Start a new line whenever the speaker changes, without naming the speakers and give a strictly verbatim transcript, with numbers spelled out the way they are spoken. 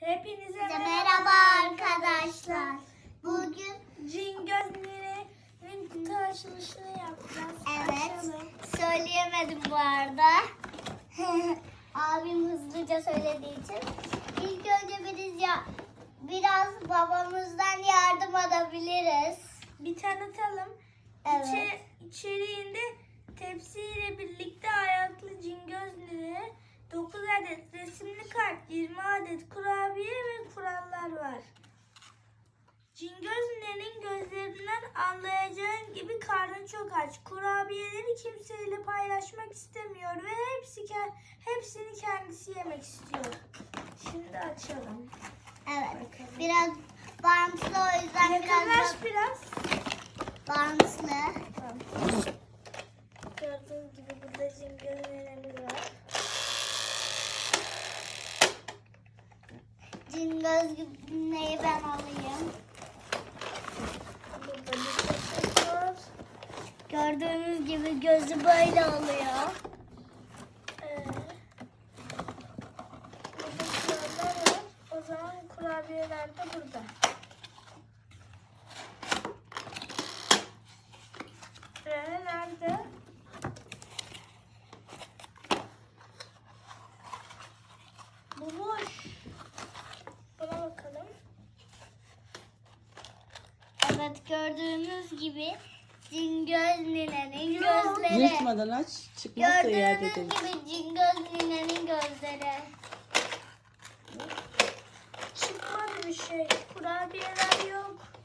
Hepinize
Merhaba arkadaşlar. Bugün
Cingözler'in kutu açılışını yapacağız.
evet
Açalım.
söyleyemedim bu arada. Abim hızlıca söylediği için. İlk önce biz ya biraz babamızdan yardım alabiliriz.
Bir tanıtalım.
Evet.
İçe, içeriğinde tepsiyle birlikte ayaklı cingözleri, dokuz adet resimli kart, yirmi adet kurabiye ve kurallar var. Cingözlerin gözlerinden anlayacağın gibi karnı çok aç. Kurabiyeleri kimseyle paylaşmak istemiyor ve hepsi hepsini kendisi yemek istiyor. Şimdi açalım.
Evet. Biraz bantlı, o yüzden biraz
Yakınlaş
da
biraz.
bantlı.
Tamam. Gördüğünüz gibi burada cingözlerimiz var.
Cingöz neyi ben alayım.
Burada bir poşet var.
Gördüğünüz gibi gözü böyle oluyor.
Ee, burada kurallar var. O zaman kurabiyeler de burada. Ee, nerede? Bu boş. Buna bakalım.
Evet, gördüğünüz gibi Cingöz ninenin
Yok.
gözleri.
Yırtmadan aç. Çıkmazsa iade
Gördüğünüz
edelim.
gibi Cingöz ninenin gözleri.
Çıkmadı bir şey. Kurabiyeler yok.